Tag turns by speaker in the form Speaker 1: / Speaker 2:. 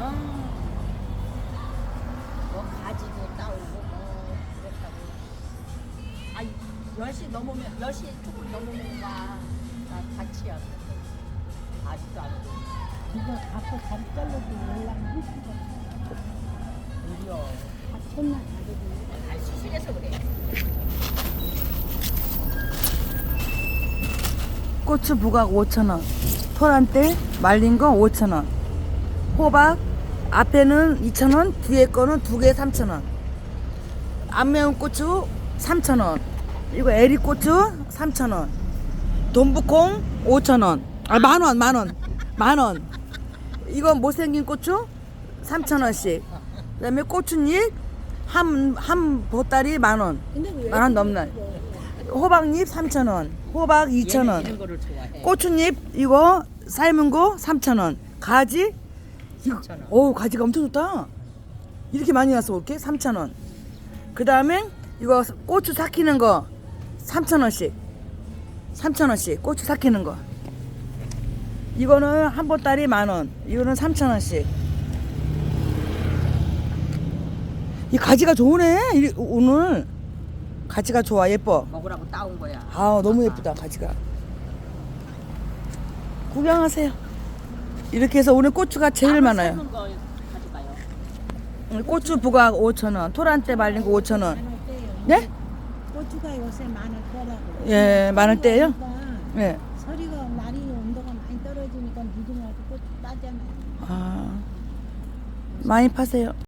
Speaker 1: 뭐 가지도 따오고 뭐 그렇다고. 아 10시 넘으면 10시 조금 넘으면 와. 나 같이 하고. 아직도 안 오고.
Speaker 2: 이거 앞에 다리 잘라도 연락 한 시간.
Speaker 1: 무려.
Speaker 2: 아, 천만 다리도.
Speaker 1: 아 수술해서 그래.
Speaker 3: 고추 부각 5,000원, 토란대 말린 거 5,000원, 호박 앞에는 2,000원, 뒤에 거는 두 개 3,000원, 안 매운 고추 3,000원, 이거 에리고추 3,000원, 돈부콩 5,000원, 아 만원, 이거 못생긴 고추 3,000원씩, 그다음에 고추잎 한 보따리 만원, 만원 넘나. 호박잎 3,000원, 호박 2,000원,
Speaker 1: 이런 거를 좋아해.
Speaker 3: 고추잎 이거 삶은 거 3,000원, 가지
Speaker 1: 3,000원.
Speaker 3: 오 가지가 엄청 좋다. 이렇게 많이 왔어 이렇게 3,000원. 그 다음에 이거 고추 삭히는 거 3,000원씩, 3,000원씩 고추 삭히는 거. 이거는 한 보따리 만원, 이거는 3,000원씩. 이 가지가 좋으네 오늘. 가지가 좋아, 예뻐.
Speaker 1: 먹으라고 따온 거야.
Speaker 3: 아 너무 예쁘다 가지가. 구경하세요. 이렇게 해서 오늘 고추가 제일 많아요.
Speaker 1: 삶은 거 가져가요.
Speaker 3: 고추 부각 5,000원, 토란대 말린 거 5,000원.
Speaker 2: 많을 때요.
Speaker 3: 네?
Speaker 2: 고추가 요새 많을 때라고.
Speaker 3: 예, 많을 때예요?
Speaker 2: 그러니까
Speaker 3: 네.
Speaker 2: 서리가 날이 온도가 많이 떨어지니까 늦으면 고추 따잖아요.
Speaker 3: 아 많이 파세요.